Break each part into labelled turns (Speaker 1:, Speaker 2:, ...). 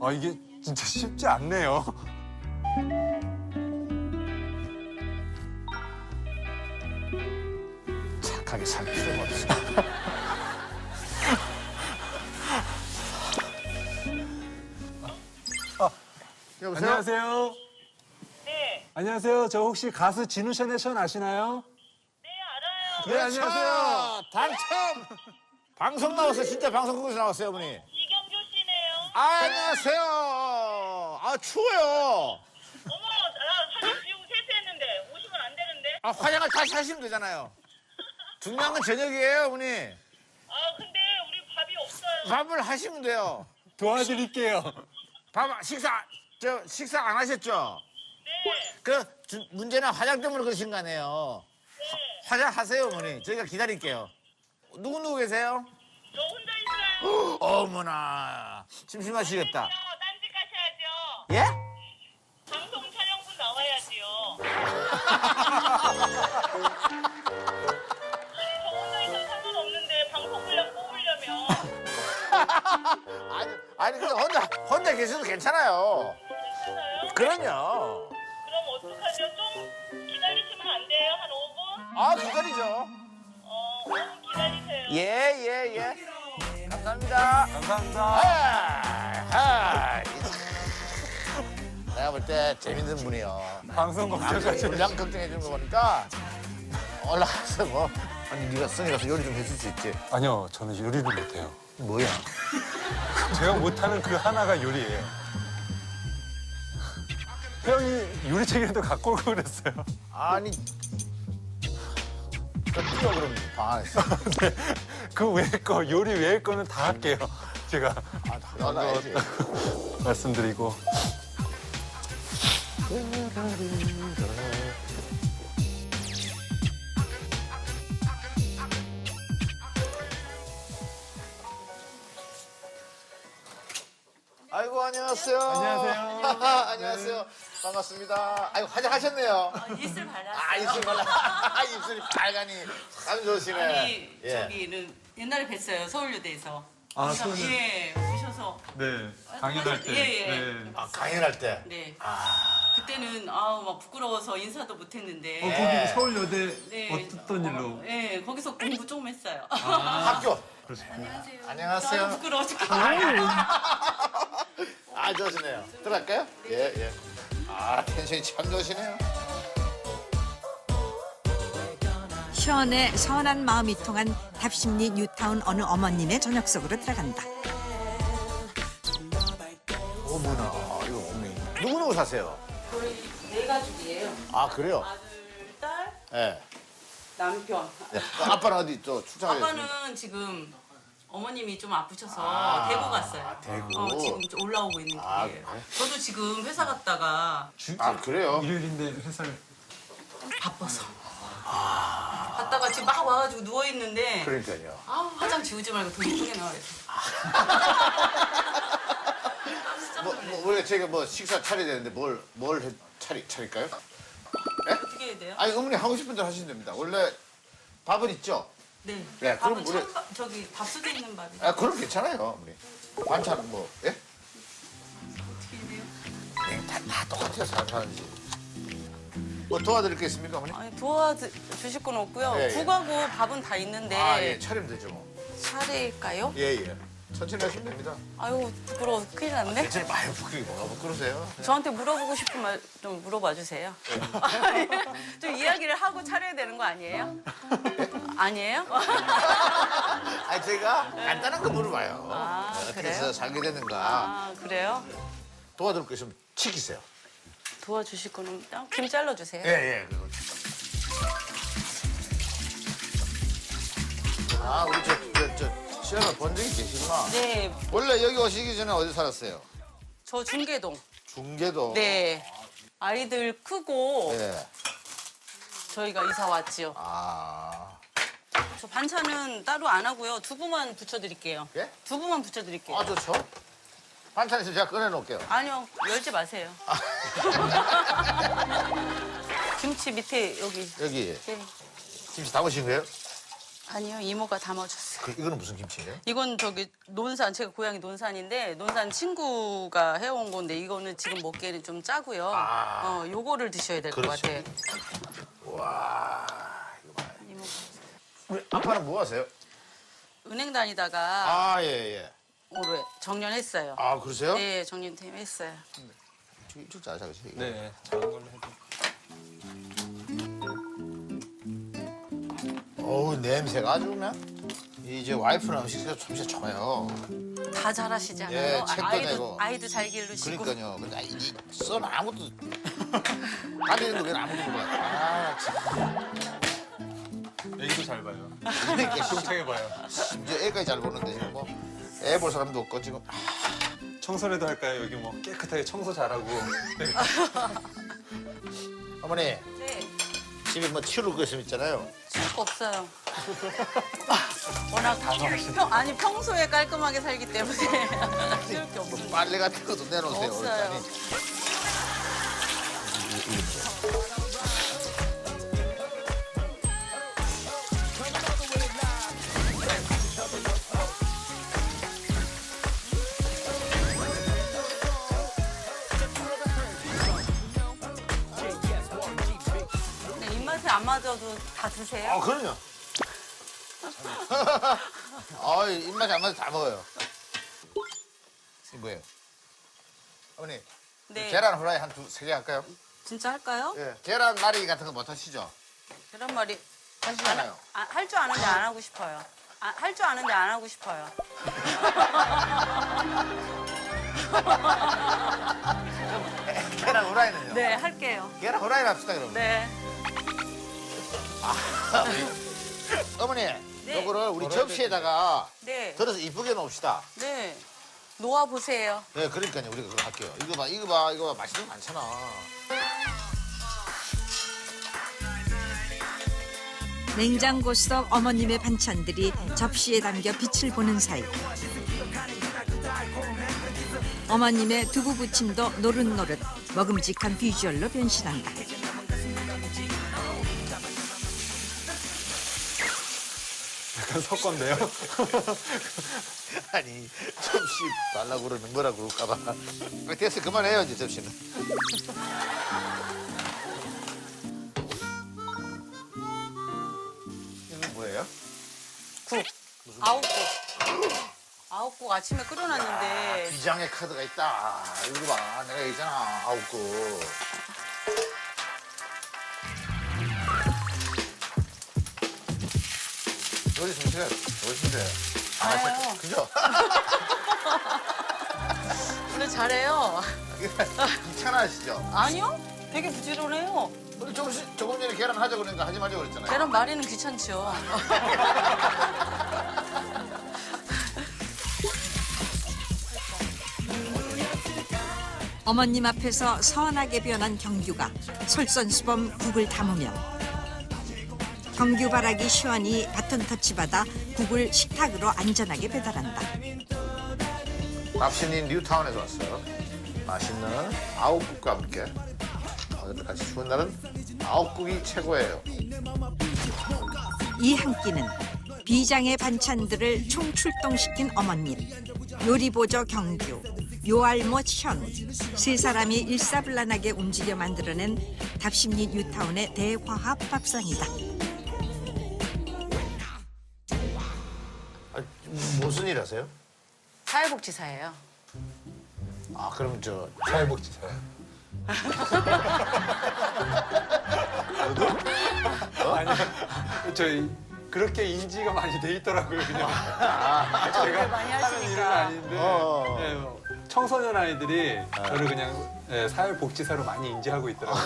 Speaker 1: 아, 이게 진짜 쉽지 않네요.
Speaker 2: 착하게 살 필요가 없어. 여보세요?
Speaker 1: 안녕하세요.
Speaker 3: 네,
Speaker 1: 안녕하세요. 저 혹시 가수 진우 셔네션 아시나요?
Speaker 3: 네 알아요.
Speaker 1: 네, 안녕하세요.
Speaker 2: 당첨! 방송 나왔어요. 진짜 방송국에서 나왔어요, 어머니.
Speaker 3: 이경규 씨네요.
Speaker 2: 안녕하세요. 아, 추워요.
Speaker 3: 어머, 나 사진 지우고 세수했는데 오시면 안 되는데.
Speaker 2: 아, 화장을 다시 하시면 되잖아요. 중요한 건 저녁이에요, 어머니.
Speaker 3: 아, 근데 우리 밥이 없어요.
Speaker 2: 밥을 하시면 돼요.
Speaker 1: 도와드릴게요.
Speaker 2: 식사 안 하셨죠?
Speaker 3: 네,
Speaker 2: 문제는 화장 때문에 그러신 거 아니에요.
Speaker 3: 네.
Speaker 2: 화장하세요, 어머니. 저희가 기다릴게요. 누구 계세요?
Speaker 3: 저 혼자 있어요.
Speaker 2: 어머나. 심심하시겠다.
Speaker 3: 딴짓 가셔야죠.
Speaker 2: 예?
Speaker 3: 방송 촬영분 나와야지요. 저 혼자 있어도 상관없는데 방송 분량 뽑으려면
Speaker 2: 아니, 근데 혼자 계셔도 괜찮아요.
Speaker 3: 괜찮아요?
Speaker 2: 그럼요.
Speaker 3: 그럼 어떡하죠? 좀 기다리시면 안 돼요? 한 5분?
Speaker 2: 아, 기다리죠.
Speaker 3: 5분 기다리세요.
Speaker 2: 예. 감사합니다.
Speaker 1: 감사합니다.
Speaker 2: 내가 볼 때 재밌는 분이요.
Speaker 1: 방송 걱정까지.
Speaker 2: 분량 걱정해 주는 거 보니까 올라가서 뭐. 아니, 네가 성이 가서 요리 좀 해줄 수 있지?
Speaker 1: 아니요, 저는 요리를 못해요.
Speaker 2: 뭐야?
Speaker 1: 제가 못하는 그 하나가 요리예요. 형이 요리책이라도 갖고 오고 그랬어요.
Speaker 2: 아니. 저 뛰어, 그럼 방 안에서.
Speaker 1: 네, 그 외의 거, 요리 외의 거는 다 할게요. 제가
Speaker 2: 나가야지.
Speaker 1: 말씀드리고.
Speaker 2: 아이고, 안녕하세요.
Speaker 1: 안녕하세요.
Speaker 2: 안녕하세요. 반갑습니다. 아이고, 화장하셨네요.
Speaker 4: 입술 발랐어요.
Speaker 2: 아, 입술 발라. 입술이 빨가니 참 좋으시네.
Speaker 4: 아니
Speaker 2: 예.
Speaker 4: 저기는 옛날에 뵀어요 서울여대에서.
Speaker 1: 아,
Speaker 4: 그래서,
Speaker 1: 서울여대.
Speaker 4: 예 오셔서.
Speaker 1: 네, 강연할 때.
Speaker 4: 예.
Speaker 1: 네.
Speaker 2: 아, 강연할 때.
Speaker 4: 네. 그때는 아우 막 부끄러워서 인사도 못했는데.
Speaker 2: 예.
Speaker 1: 거기 서울여대
Speaker 4: 네.
Speaker 1: 어떤 일로?
Speaker 4: 예 거기서 공부 조금 했어요.
Speaker 2: 학교.
Speaker 4: 안녕하세요.
Speaker 2: 안녕하세요.
Speaker 4: 아유, 부끄러워 죽겠
Speaker 2: 아, 좋으시네요. 들어갈까요? 예. 아, 텐션이 참 좋으시네요.
Speaker 5: 시원의 선한 마음이 통한 답심리 뉴타운 어느 어머님의 저녁 속으로 들어간다.
Speaker 2: 어머나, 이거 어머니. 누구 사세요?
Speaker 4: 저희 네 가족이에요.
Speaker 2: 아, 그래요?
Speaker 4: 아들, 딸,
Speaker 2: 예.
Speaker 4: 남편.
Speaker 2: 네. 아빠는 어디 또 출장에
Speaker 4: 아빠는 지금 어머님이 좀 아프셔서
Speaker 2: 아,
Speaker 4: 대구 갔어요.
Speaker 2: 대구.
Speaker 4: 지금 좀 올라오고 있는 길이에요.
Speaker 2: 아, 그래?
Speaker 4: 저도 지금 회사 갔다가
Speaker 2: 아, 그래요?
Speaker 1: 일요일인데 회사를.
Speaker 4: 바빠서. 갔다가 지금 막 와가지고 누워 있는데
Speaker 2: 그러니까요.
Speaker 4: 아 화장 지우지 말고 더 이쁘게 나와야 돼.
Speaker 2: 우리가 제가 뭐 식사 차려야 되는데 뭘 차릴까요?
Speaker 4: 어떻게 해야 돼요?
Speaker 2: 아니, 어머니 하고 싶은 대로 하시면 됩니다. 원래 밥은 있죠?
Speaker 4: 네.
Speaker 2: 네, 그럼
Speaker 4: 밥은
Speaker 2: 우리-
Speaker 4: 찬밥 저기 밥솥에 있는 밥이
Speaker 2: 아, 그럼 괜찮아요, 어머니. 반찬은 뭐, 예?
Speaker 4: 어떻게 해야 돼요?
Speaker 2: 네, 다 똑같아요, 사람이. 뭐 도와드릴 게 있습니까, 어머니?
Speaker 4: 아니 도와주실 건 없고요.
Speaker 2: 예, 예.
Speaker 4: 국하고 밥은 다 있는데
Speaker 2: 아, 예, 차리면 되죠, 뭐.
Speaker 4: 차릴까요?
Speaker 2: 예. 천천히 하시면 됩니다.
Speaker 4: 아유 부끄러워 큰일 났네.
Speaker 2: 괜찮아요. 많이 부끄러워. 뭐가 부끄러세요?
Speaker 4: 저한테 물어보고 싶은 말 좀 물어봐 주세요. 좀 이야기를 하고 차려야 되는 거 아니에요? 아니에요?
Speaker 2: 아, 제가 간단한 거 물어봐요.
Speaker 4: 아,
Speaker 2: 어떻게
Speaker 4: 그래요?
Speaker 2: 해서 살게 됐는가.
Speaker 4: 아 그래요?
Speaker 2: 도와드릴 거 있으면 치키세요.
Speaker 4: 도와주실 거는 김 잘라 주세요.
Speaker 2: 예. 그거. 아, 우리 시험을 본 적이 계시구나.
Speaker 4: 네,
Speaker 2: 원래 여기 오시기 전에 어디 살았어요?
Speaker 4: 저 중계동.
Speaker 2: 중계도.
Speaker 4: 네. 아이들 크고
Speaker 2: 예.
Speaker 4: 저희가 이사 왔지요.
Speaker 2: 아.
Speaker 4: 저 반찬은 따로 안 하고요. 두부만 부쳐드릴게요.
Speaker 2: 예?
Speaker 4: 두부만 부쳐드릴게요.
Speaker 2: 아, 좋죠. 반찬 있으면 제가 꺼내놓을게요.
Speaker 4: 아니요, 열지 마세요. 김치 밑에 여기.
Speaker 2: 여기
Speaker 4: 네.
Speaker 2: 김치 담으신 거예요?
Speaker 4: 아니요, 이모가 담아줬어요.
Speaker 2: 이거는 무슨 김치예요?
Speaker 4: 이건 저기 논산, 제가 고향이 논산인데 논산 친구가 해온 건데 이거는 지금 먹기에는 좀 짜고요. 요거를 드셔야 될 것
Speaker 2: 그렇죠.
Speaker 4: 같아요.
Speaker 2: 와, 이거 봐요.
Speaker 4: 이모가.
Speaker 2: 우리 아빠는 뭐 하세요?
Speaker 4: 은행 다니다가
Speaker 2: 아, 예, 예.
Speaker 4: 올해 정년했어요.
Speaker 2: 아, 그러세요?
Speaker 4: 네, 정년퇴임 했어요.
Speaker 2: 이쪽 잘 잡으세요.
Speaker 1: 네, 작은 걸로 해도.
Speaker 2: 어우, 냄새가 아주 그냥. 이제 와이프는 음식 솜씨 좋아요.
Speaker 4: 다 잘하시잖아요.
Speaker 2: 예, 책도 내고.
Speaker 4: 아이도 잘 기르시고.
Speaker 2: 그러니까요. 근데 이 썬 아무것도 다니는 거 왜 아무도 몰라. 아, 참.
Speaker 1: 애기도 잘 봐요.
Speaker 2: 그러니까
Speaker 1: 똥창해 봐요.
Speaker 2: 심지어 애까지 잘 보는데 지금 뭐 애 볼 사람도 없고 지금.
Speaker 1: 청소라도 할까요? 여기 뭐 깨끗하게 청소 잘하고. 네.
Speaker 2: 어머니,
Speaker 4: 네,
Speaker 2: 집에 뭐 치울 거 있으면 있잖아요.
Speaker 4: 쓸 거 없어요. 워낙 아니 평소에 깔끔하게 살기 때문에 쓸 게 없어요.
Speaker 2: 빨래 같은 것도 내놓으세요.
Speaker 4: 없어요.
Speaker 2: 일단이.
Speaker 4: 근데 입맛에 안 맞아도 다 드세요?
Speaker 2: 아, 그럼요. 아, 입맛이 안 맞아서 다 먹어요. 이게 뭐예요? 어머니,
Speaker 4: 네.
Speaker 2: 계란 후라이 한 세 개 할까요?
Speaker 4: 진짜 할까요?
Speaker 2: 예. 계란 말이 같은 거 못 하시죠?
Speaker 4: 계란말이
Speaker 2: 하시잖아요.
Speaker 4: 할 줄 아는데 안 하고 싶어요. 할 줄 아는데 안 하고 싶어요.
Speaker 2: 계란 후라이는요?
Speaker 4: 네, 할게요.
Speaker 2: 계란 후라이 합시다, 그러면.
Speaker 4: 네.
Speaker 2: 어머니,
Speaker 4: 네.
Speaker 2: 요거를 우리 접시에다가
Speaker 4: 네.
Speaker 2: 들어서 이쁘게 놓읍시다.
Speaker 4: 네. 놓아 보세요.
Speaker 2: 네, 그러니까요. 우리가 그거 할게요. 이거 봐, 이거 봐, 이거 봐. 맛있는 거 많잖아.
Speaker 5: 냉장고 속 어머님의 반찬들이 접시에 담겨 빛을 보는 사이 어머님의 두부 부침도 노릇노릇 먹음직한 비주얼로 변신한다.
Speaker 1: 약간 섞건데요.
Speaker 2: 아니, 접시 달라고 그러는 뭐라 그럴까 봐. 됐어, 그만해요, 이제 접시는. 이건 뭐예요?
Speaker 4: 국. 아홉국 아침에 끓여놨는데
Speaker 2: 비장의 카드가 있다. 이거 봐, 내가 얘기했잖아, 9국. 요리 솜씨가 좋으신데.
Speaker 4: 알아요.
Speaker 2: 그죠?
Speaker 4: 원래 잘해요.
Speaker 2: 귀찮아하시죠?
Speaker 4: 아니요? 되게 부지런해요.
Speaker 2: 우리 조금 전에 계란 하자 그러니까 하지 말자고 그랬잖아요.
Speaker 4: 계란 말이는 귀찮죠.
Speaker 5: 어머님 앞에서 선하게 변한 경규가 솔선수범 국을 담으며 경규바라기 시원히 바톤 터치받아 국을 식탁으로 안전하게 배달한다.
Speaker 2: 답신인 뉴타운에서 왔어요. 맛있는 9국과 함께 오늘 같이 추운 날은 9국이 최고예요.
Speaker 5: 이 한 끼는 비장의 반찬들을 총출동시킨 어머님, 요리보조 경규, 요알못 현, 세 사람이 일사불란하게 움직여 만들어낸 답심리 뉴타운의 대화합 밥상이다.
Speaker 2: 무슨 일 하세요?
Speaker 4: 사회복지사예요.
Speaker 2: 아, 그럼 저
Speaker 1: 사회복지사요. 아니, 저희 그렇게 인지가 많이 돼 있더라고요, 그냥. 제가
Speaker 4: 많이
Speaker 1: 하는
Speaker 4: 하시니까.
Speaker 1: 일은 아닌데
Speaker 2: 어.
Speaker 1: 예, 청소년 아이들이 저를 그냥 사회복지사로 많이 인지하고 있더라고요.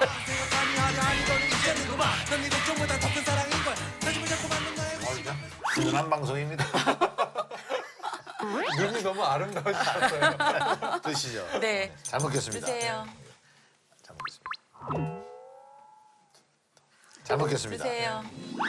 Speaker 2: 든든한 방송입니다.
Speaker 1: 눈이 너무 아름다우셨어요.
Speaker 2: 드시죠.
Speaker 4: 네.
Speaker 2: 잘 먹겠습니다.
Speaker 4: 드세요.
Speaker 2: 잘 먹겠습니다. 잘 먹겠습니다.
Speaker 4: 드세요.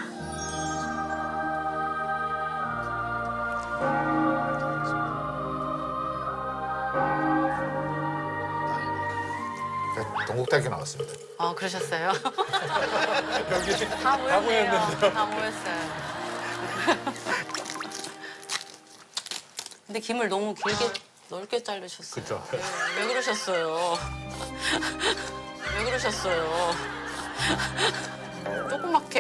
Speaker 2: 제가 동국대학교 나왔습니다.
Speaker 4: 그러셨어요?
Speaker 1: 여기
Speaker 4: 다 모였네요.
Speaker 1: 모였는데요.
Speaker 4: 다 모였어요. 근데 김을 너무 길게 넓게 자르셨어요.
Speaker 2: 그쵸.
Speaker 4: 네, 왜 그러셨어요? 왜 그러셨어요? 조그맣게.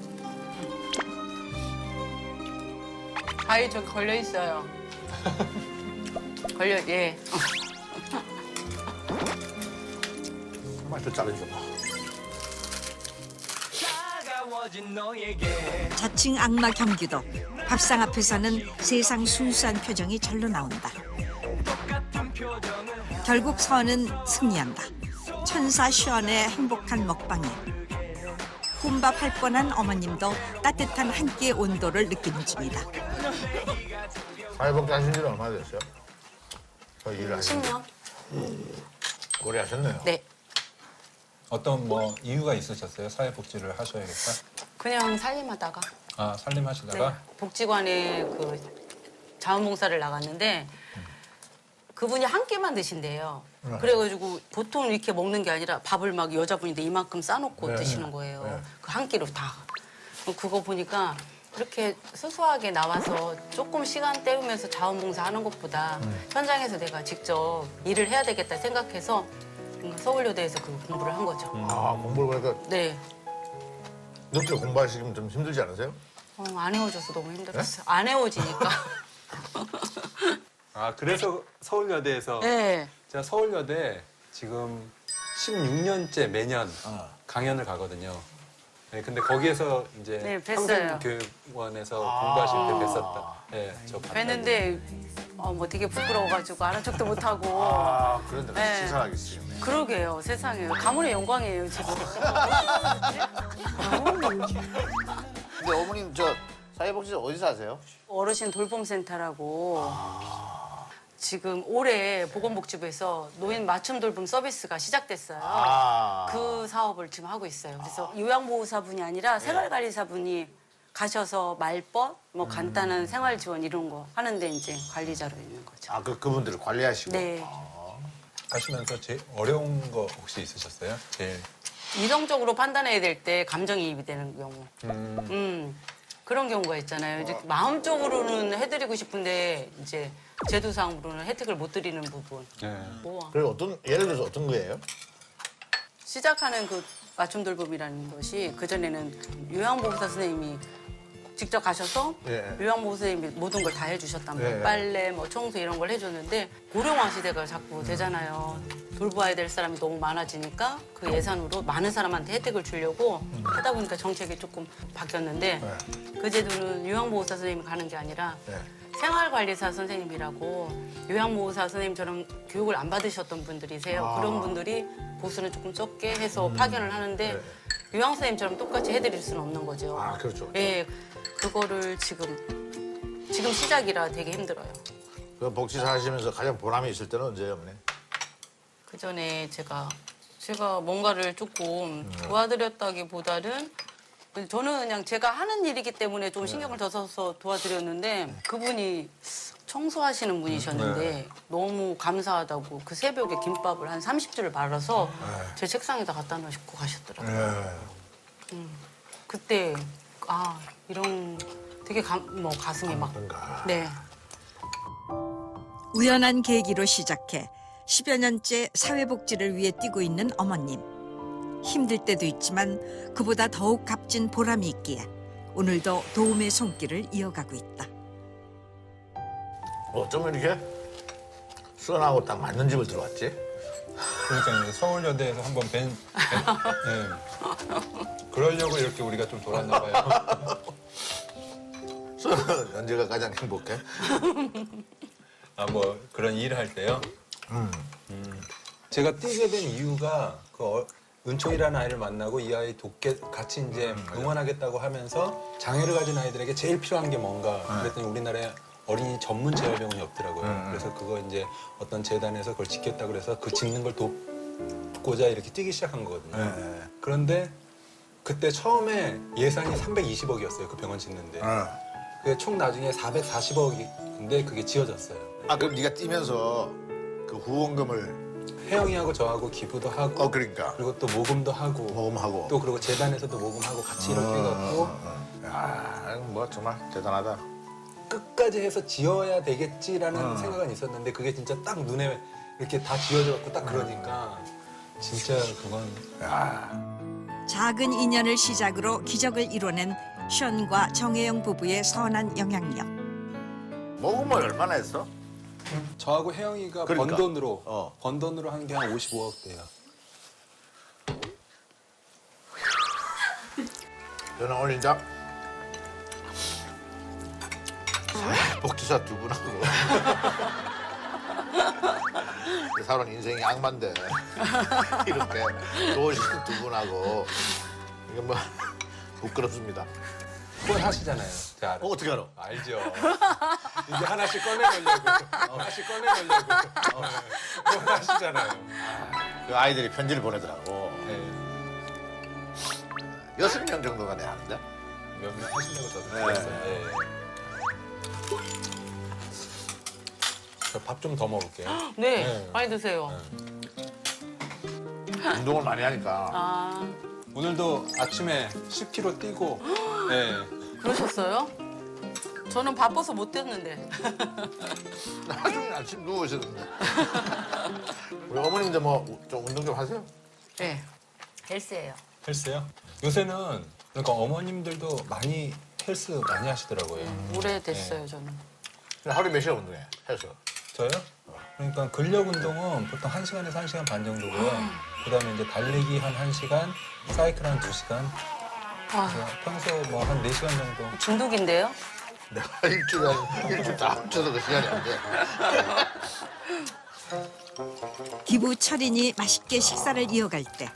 Speaker 4: 아이 저기 걸려 있어요. 예.
Speaker 2: 정말 더 자르죠.
Speaker 5: 자칭 악마 경규도 밥상 앞에서는 세상 순수한 표정이 절로 나온다. 결국 서은은 승리한다. 천사 시원의 행복한 먹방에 혼밥할 뻔한 어머님도 따뜻한 한 끼의 온도를 느끼는 중이다.
Speaker 2: 사회복지 하신 지는 얼마나 됐어요? 저 일을 하신 지
Speaker 4: 10년?
Speaker 2: 오래 하셨네요.
Speaker 4: 네.
Speaker 1: 어떤 뭐 이유가 있으셨어요? 사회복지를 하셔야겠다.
Speaker 4: 그냥 살림하다가
Speaker 1: 아 살림하시다가
Speaker 4: 네. 복지관에 그 자원봉사를 나갔는데 그분이 한 끼만 드신대요. 그래가지고 보통 이렇게 먹는 게 아니라 밥을 막 여자분인데 이만큼 싸놓고 드시는 거예요. 그 한 끼로 다. 그거 보니까 이렇게 수수하게 나와서 조금 시간 때우면서 자원봉사 하는 것보다 현장에서 내가 직접 일을 해야 되겠다 생각해서 서울여대에서 그 공부를 한 거죠.
Speaker 2: 아, 공부를 보니까
Speaker 4: 네.
Speaker 2: 늦게 공부하시면 좀 힘들지 않으세요?
Speaker 4: 안 헤어져서 너무 힘들었어요. 안 헤어지니까.
Speaker 1: 아 그래서 서울여대에서
Speaker 4: 네.
Speaker 1: 제가 서울여대 지금 16년째 매년 강연을 가거든요. 네, 근데 거기에서 이제
Speaker 4: 네, 뵀어요.
Speaker 1: 평생교육원에서 공부하실 때 뵀었다. 네, 저
Speaker 4: 뵀는데 뭐 되게 부끄러워가지고 아는 척도 못하고.
Speaker 2: 아, 그런데
Speaker 4: 네.
Speaker 2: 신선하겠어요.
Speaker 4: 그러게요. 세상에. 가문의 영광이에요, 지금.
Speaker 2: 근데 어머님 저 사회복지 어디서 하세요?
Speaker 4: 어르신 돌봄센터라고 지금 올해 보건복지부에서 노인 맞춤 돌봄 서비스가 시작됐어요. 그 사업을 지금 하고 있어요. 그래서 요양보호사분이 아니라 생활관리사분이 가셔서 말벗, 뭐 간단한 생활 지원 이런 거 하는데 이제 관리자로 있는 거죠.
Speaker 2: 아, 그분들을 관리하시고.
Speaker 4: 네.
Speaker 1: 하시면서 제일 어려운 거 혹시 있으셨어요? 제일
Speaker 4: 이성적으로 판단해야 될 때 감정이입이 되는 경우. 그런 경우가 있잖아요. 이제 마음적으로는 해드리고 싶은데 이제 제도상으로는 혜택을 못 드리는 부분.
Speaker 1: 네.
Speaker 4: 뭐
Speaker 2: 그리고 예를 들어서 어떤 거예요?
Speaker 4: 시작하는 그 맞춤 돌봄이라는 것이 그전에는 요양보호사 선생님이 직접 가셔서
Speaker 2: 예.
Speaker 4: 요양보호사 선생님이 모든 걸 다 해주셨단 말이에요.
Speaker 2: 예.
Speaker 4: 빨래, 뭐 청소 이런 걸 해줬는데 고령화 시대가 자꾸 되잖아요. 돌봐야 될 사람이 너무 많아지니까 그 예산으로 많은 사람한테 혜택을 주려고 하다 보니까 정책이 조금 바뀌었는데 그 제도는 요양보호사 선생님이 가는 게 아니라 생활관리사 선생님이라고 요양보호사 선생님처럼 교육을 안 받으셨던 분들이세요. 그런 분들이 보수는 조금 적게 해서 파견을 하는데 요양 선생님처럼 똑같이 해드릴 수는 없는 거죠.
Speaker 2: 아, 그렇죠.
Speaker 4: 예, 그거를 지금 시작이라 되게 힘들어요.
Speaker 2: 그 복지사 하시면서 가장 보람이 있을 때는 언제예요, 어머니?
Speaker 4: 그 전에 제가 뭔가를 조금 도와드렸다기보다는 저는 그냥 제가 하는 일이기 때문에 좀 신경을 더 써서 도와드렸는데 그분이 청소하시는 분이셨는데 너무 감사하다고 그 새벽에 김밥을 한 30줄을 말아서 제 책상에다 갖다 놓으시고 가셨더라고요. 그때 이런 되게 가슴이 막 네.
Speaker 5: 우연한 계기로 시작해 10여 년째 사회복지를 위해 뛰고 있는 어머님. 힘들 때도 있지만 그보다 더욱 값진 보람이 있기에 오늘도 도움의 손길을 이어가고 있다.
Speaker 2: 어쩌면 이렇게 수원하고 딱 맞는 집을 들어왔지?
Speaker 1: 그러니까 서울여대에서 한번 네. 그러려고 이렇게 우리가 좀 돌았나 봐요.
Speaker 2: 수원은 언제가 가장 행복해?
Speaker 1: 뭐 그런 일을 할 때요. 제가 뛰게 된 이유가 은총이라는 아이를 만나고 이 아이 돕게 같이 이제 응원하겠다고 하면서 장애를 가진 아이들에게 제일 필요한 게 뭔가 그랬더니 우리나라에 어린이 전문 재활병원이 없더라고요. 그래서 그거 이제 어떤 재단에서 그걸 짓겠다고 그래서 그 짓는 걸 돕고자 이렇게 뛰기 시작한 거거든요. 그런데 그때 처음에 예산이 320억이었어요. 그 병원 짓는데. 그게 총 나중에 440억인데 그게 지어졌어요.
Speaker 2: 아, 그럼 네가 뛰면서 그 후원금을
Speaker 1: 혜영이하고 저하고 기부도 하고
Speaker 2: 그러니까.
Speaker 1: 그리고 또 모금도 하고
Speaker 2: 모금하고.
Speaker 1: 또 그리고 재단에서도 모금하고 같이 이렇게 해갖고
Speaker 2: 야, 뭐 정말 대단하다.
Speaker 1: 끝까지 해서 지어야 되겠지라는 생각은 있었는데 그게 진짜 딱 눈에 이렇게 다 지어져갖고 딱 그러니까 진짜 그건
Speaker 5: 작은 인연을 시작으로 기적을 이뤄낸 션과 정혜영 부부의 선한 영향력.
Speaker 2: 모금을 얼마나 했어?
Speaker 1: 저하고 혜영이가
Speaker 2: 그러니까.
Speaker 1: 번 돈으로 한 게 한 55억 대요.
Speaker 2: 저는 오늘 이제 복지사 두 분하고 살아온 인생이 악만데 이렇게 좋으신 두 분하고 이게 뭐 부끄럽습니다.
Speaker 1: 그건 하시잖아요. 제가 알아요.
Speaker 2: 어떻게 알아?
Speaker 1: 알죠. 이제 하나씩 꺼내놓으려고. 하나씩 꺼내놓으려고. 그건 하시잖아요.
Speaker 2: 그 아이들이 편지를 보내더라고.
Speaker 1: 네.
Speaker 2: 6명 정도가 내 하는데.
Speaker 1: 몇 명 하신다고 저도
Speaker 2: 네.
Speaker 1: 들었어요. 네. 저 밥 좀 더 먹을게요.
Speaker 4: 네,
Speaker 1: 네.
Speaker 4: 많이 드세요.
Speaker 2: 운동을 많이 하니까.
Speaker 4: 아,
Speaker 1: 오늘도 아침에 10km 뛰고 네.
Speaker 4: 그러셨어요? 저는 바빠서 못 뛰었는데.
Speaker 2: 나중에 아침 누우셨는데. 우리 어머님도 뭐 좀 운동 좀 하세요?
Speaker 4: 네, 헬스예요.
Speaker 1: 헬스요? 요새는 그러니까 어머님들도 많이 헬스 많이 하시더라고요.
Speaker 4: 오래됐어요, 저는.
Speaker 2: 하루에 몇 시간 운동해? 해서.
Speaker 1: 저요? 그러니까 근력 운동은 보통 1시간에서 1시간 반 정도고요. 그다음에 이제 달리기 한 1시간, 사이클 한 2시간.
Speaker 4: 아,
Speaker 1: 평소 뭐 한 4시간 정도.
Speaker 4: 중독인데요?
Speaker 2: 내가 일주일 다 합쳐서 그 시간이 안 돼.
Speaker 5: 기부 철인이 맛있게 식사를 이어갈 때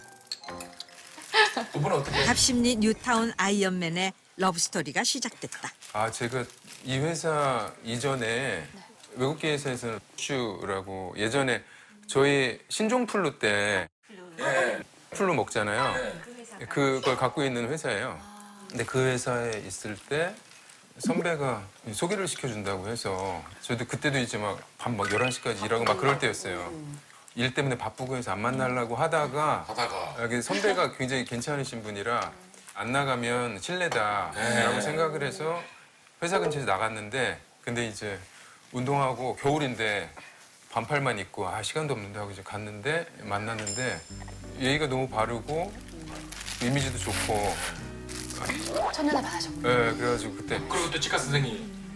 Speaker 6: 두 분은 어떻게?
Speaker 5: 갑심리 뉴타운 아이언맨의 러브스토리가 시작됐다.
Speaker 6: 아, 제가 이 회사 이전에 외국계 회사에서는 슈라고 예전에 저희 신종플루 때 플루 먹잖아요. 그걸 갖고 있는 회사예요. 근데 그 회사에 있을 때 선배가 소개를 시켜준다고 해서 저도 그때도 이제 막 밤 막 11시까지 일하고 막 그럴 때였어요. 일 때문에 바쁘고 해서 안 만나려고 하다가 여기 선배가 굉장히 괜찮으신 분이라 안 나가면 실례다라고 생각을 해서 회사 근처에서 나갔는데 근데 이제 운동하고 겨울인데 반팔만 입고 아 시간도 없는데 하고 이제 갔는데 만났는데 예의가 너무 바르고 이미지도 좋고
Speaker 7: 첫눈에 반하셨고.
Speaker 6: 예 그래가지고 그때
Speaker 8: 그리고 또 치과 선생님.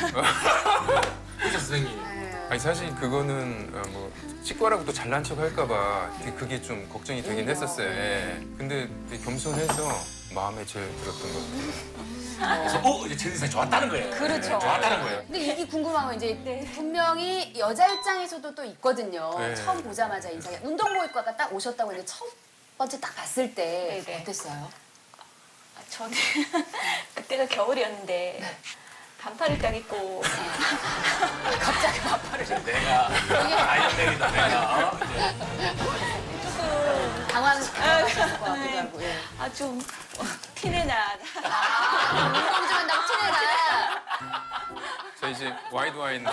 Speaker 8: 의사 선생님.
Speaker 6: 아니 사실 그거는 뭐 치과라고 또 잘난 척 할까봐 그게 좀 걱정이 되긴 했었어요. 예. 근데 되게 겸손해서 마음에 제일 들었던 것 같아요.
Speaker 8: 그래서 이제 최진상이 좋았다는 거예요.
Speaker 7: 그렇죠.
Speaker 8: 좋았다는 거예요.
Speaker 7: 근데 이게 궁금한 건 이제 분명히 여자 입장에서도 또 있거든요.
Speaker 6: 네.
Speaker 7: 처음 보자마자 인상이 운동복입과가 딱 오셨다고 했는데 첫 번째 딱 봤을 때
Speaker 9: 네네.
Speaker 7: 어땠어요?
Speaker 9: 저는 그때가 겨울이었는데 반팔을 딱 입고
Speaker 7: 갑자기 반팔을
Speaker 8: 내가 아이언맨이다 내가.
Speaker 9: 조금
Speaker 7: 당황하셨을 것 같기도 하고. 예.
Speaker 9: 좀 티내나
Speaker 7: 운동 좀 한다고 티내라.
Speaker 6: 저 이제 와이드 와인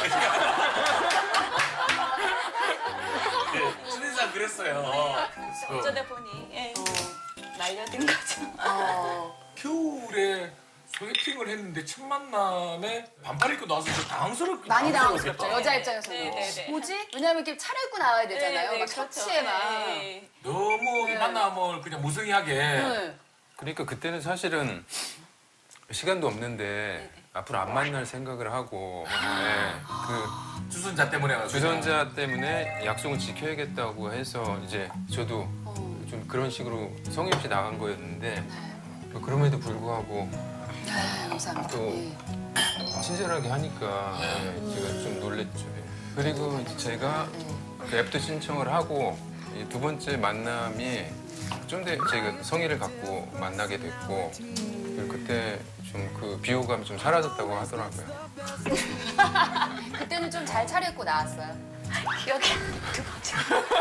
Speaker 8: 최진상 그랬어요.
Speaker 9: 어쩌다 보니 말려든 거죠.
Speaker 8: 겨울에 소개팅을 했는데 첫 만남에 반팔 입고 나와서 좀 당황스럽게
Speaker 7: 많이 당황스럽죠. 여자 입장에서는.
Speaker 9: 네네네.
Speaker 7: 뭐지? 왜냐면 이렇게 차려입고 나와야 되잖아요. 막 셔츠에 막.
Speaker 9: 네.
Speaker 8: 너무 이 만남을 그냥 무성의하게.
Speaker 7: 네.
Speaker 6: 그러니까 그때는 사실은 시간도 없는데 앞으로 안 만날 생각을 하고 그
Speaker 8: 주선자 때문에 가지고.
Speaker 6: 주선자 때문에 약속을 지켜야겠다고 해서 이제 저도 좀 그런 식으로 성의 없이 나간 거였는데 그럼에도 불구하고
Speaker 7: 네, 감사합니다.
Speaker 6: 또
Speaker 7: 예.
Speaker 6: 친절하게 하니까 제가 좀 놀랬죠. 그리고 이제 제가 그 앱도 신청을 하고 이 두 번째 만남이 좀 더 제가 성의를 갖고 만나게 됐고 그리고 그때 좀 그 비호감이 좀 사라졌다고 하더라고요.
Speaker 7: 그때는 좀 잘 차려입고 나왔어요.
Speaker 9: 기억이 두 번째.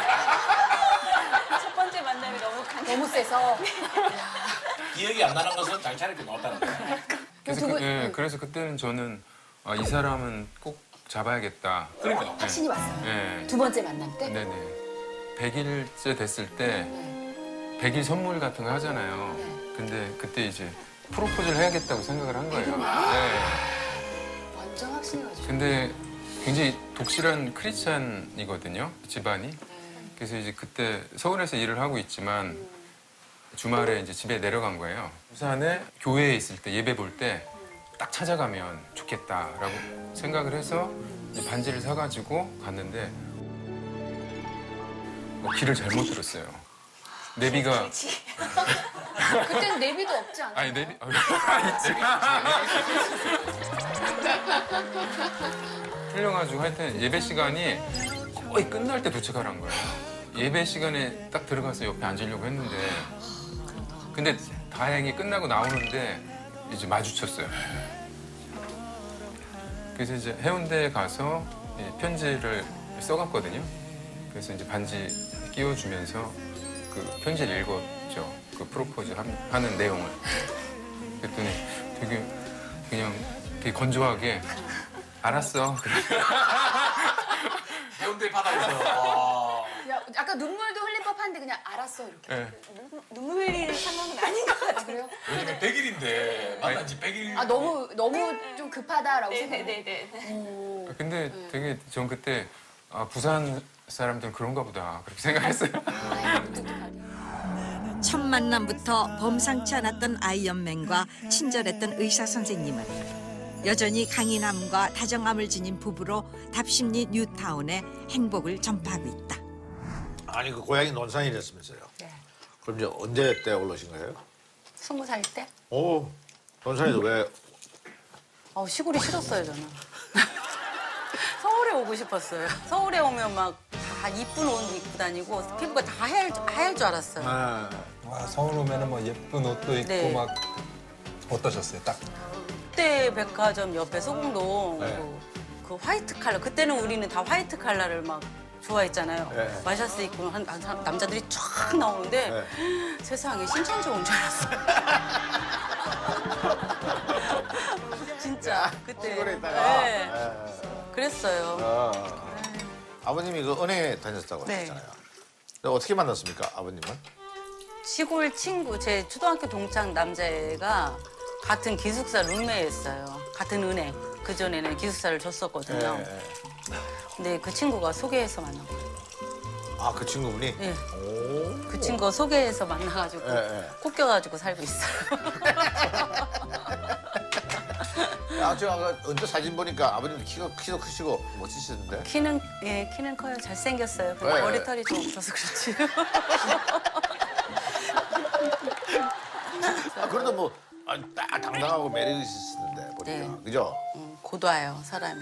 Speaker 9: 첫 번째 만남이 너무
Speaker 7: 너무 세서.
Speaker 8: 기억이 안 나는 것은 잘 차리고 나왔다는 거예요.
Speaker 6: 그래서, 그래서 그때는 저는 이 사람은 꼭 잡아야겠다.
Speaker 8: 그러니까.
Speaker 7: 확신이 왔어요.
Speaker 6: 네.
Speaker 7: 두 번째 만남 때.
Speaker 6: 네네. 100일째 됐을 때 100일 선물 같은 거 하잖아요. 근데 그때 이제 프로포즈를 해야겠다고 생각을 한 거예요. 네.
Speaker 7: 완전 확신해가지고.
Speaker 6: 근데 굉장히 독실한 크리스찬이거든요, 집안이. 그래서 이제 그때 서울에서 일을 하고 있지만 주말에 이제 집에 내려간 거예요. 부산에 교회에 있을 때 예배 볼 때 딱 찾아가면 좋겠다라고 생각을 해서 이제 반지를 사가지고 갔는데 길을 잘못 들었어요. 내비가
Speaker 7: 그때는 내비도 없지 않아요?
Speaker 6: 아니 내비 틀려가지고 하여튼 예배 시간이 거의 끝날 때 도착하란 거예요. 예배 시간에 딱 들어가서 옆에 앉으려고 했는데 근데 다행히 끝나고 나오는데 이제 마주쳤어요. 그래서 이제 해운대에 가서 편지를 써갔거든요. 그래서 이제 반지 끼워주면서 그 편지를 읽었죠. 그 프로포즈 하는 내용을. 그랬더니 그냥 되게 건조하게 알았어.
Speaker 8: 해운대 바다에서.
Speaker 7: 야, 아까 눈물도 흘릴 법한데 그냥 알았어 이렇게.
Speaker 6: 네.
Speaker 9: 눈물 흘리는 상황은 아닌 것 같아요.
Speaker 7: 그래요?
Speaker 8: 요즘에 100일인데 만난 지 100일.
Speaker 7: 아 너무 좀 급하다라고 생각해요.
Speaker 9: 네네네네.
Speaker 6: 근데 되게 전 그때 아, 부산 사람들은 그런가 보다 그렇게 생각했어요.
Speaker 5: 첫 만남부터 범상치 않았던 아이언맨과 친절했던 의사 선생님은 여전히 강인함과 다정함을 지닌 부부로 답심리 뉴타운에 행복을 전파하고 있다.
Speaker 2: 아니 그 고향이 논산이랬으면서요.
Speaker 4: 네.
Speaker 2: 그럼 이제 언제 때 올라오신 거예요?
Speaker 4: 20살 때?
Speaker 2: 오, 논산에서 왜?
Speaker 4: 시골이 싫었어요, 저는. 서울에 오고 싶었어요. 서울에 오면 막 다 이쁜 옷 입고 다니고 피부가 다 하얄 줄 알았어요.
Speaker 1: 와, 서울 오면은 뭐 예쁜 옷도 입고
Speaker 4: 네.
Speaker 1: 막 어떠셨어요? 딱
Speaker 4: 그때 백화점 옆에 소공동
Speaker 1: 네.
Speaker 4: 그 화이트 칼라 그때는 우리는 다 화이트 칼라를 막 좋아했잖아요.
Speaker 2: 네.
Speaker 4: 마샤스 입고 한 남자들이 쫙 나오는데 세상에 신천지 온 줄 알았어요. 진짜 그때.
Speaker 2: 시골에 있다가.
Speaker 4: 네. 그랬어요.
Speaker 2: 아버님이 그 은행에 다녔다고
Speaker 4: 네.
Speaker 2: 하셨잖아요. 근데 어떻게 만났습니까, 아버님은?
Speaker 4: 시골 친구 제 초등학교 동창 남자애가 같은 기숙사 룸메였어요. 같은 은행. 그 전에는 기숙사를 줬었거든요. 근데 그 친구가 소개해서 만난 거예요.
Speaker 2: 아, 그 친구분이?
Speaker 4: 네.
Speaker 2: 오.
Speaker 4: 그 친구가 소개해서 만나가지고 꼽겨가지고 살고 있어요.
Speaker 2: 아, 제가 아까 언제 사진 보니까 아버님도 키도 크시고 멋지시던데?
Speaker 4: 키는 커요. 잘생겼어요. 근데
Speaker 2: 네.
Speaker 4: 머리털이 좀 없어서 그렇지.
Speaker 2: 아, 그래도 뭐, 딱 당당하고 매력 있으시던데, 보니까.
Speaker 4: 네.
Speaker 2: 그죠?
Speaker 4: 고도해요, 사람이.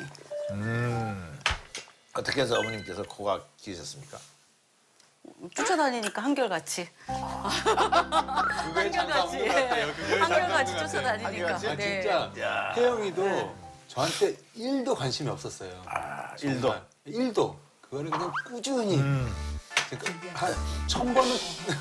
Speaker 2: 어떻게 해서 어머님께서 코가 기셨습니까?
Speaker 4: 쫓아다니니까 한결같이.
Speaker 1: 그거에
Speaker 4: 한결같이. 한결같이 쫓아다니니까.
Speaker 1: 아,
Speaker 4: 네.
Speaker 1: 진짜 혜영이도 저한테 1도 관심이 없었어요.
Speaker 2: 아,
Speaker 1: 정말. 1도. 그거는 그냥 꾸준히. 한 1000번은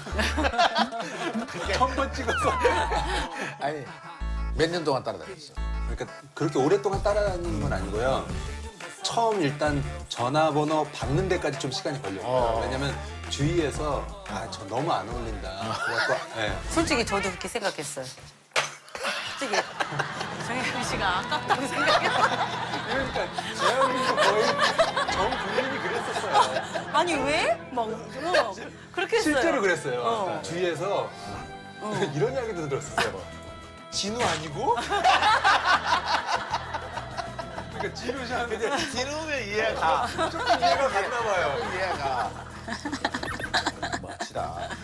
Speaker 1: 1000번 찍어서.
Speaker 2: 아니, 몇 년 동안 따라다녔어?
Speaker 1: 그러니까 그렇게 오랫동안 따라다니는 건 아니고요. 처음 일단 전화번호 받는 데까지 좀 시간이 걸렸어요. 왜냐면 주위에서 저 너무 안 어울린다. 그래갖고 네.
Speaker 4: 솔직히 저도 그렇게 생각했어요. 솔직히 정혜민 씨가 아깝다고 생각했어요.
Speaker 1: 그러니까 재현이도 거의 전 국민이 그랬었어요.
Speaker 4: 아니 왜? 막 그렇게 했어요.
Speaker 1: 실제로 그랬어요. 주위에서 이런 이야기도 들었었어요. 진우 아니고? 그러니까 진우 씨 하는데
Speaker 2: 진우면 이해가 가.
Speaker 1: 조금 이해가 갔나 봐요.
Speaker 2: 이해가. 멋지다.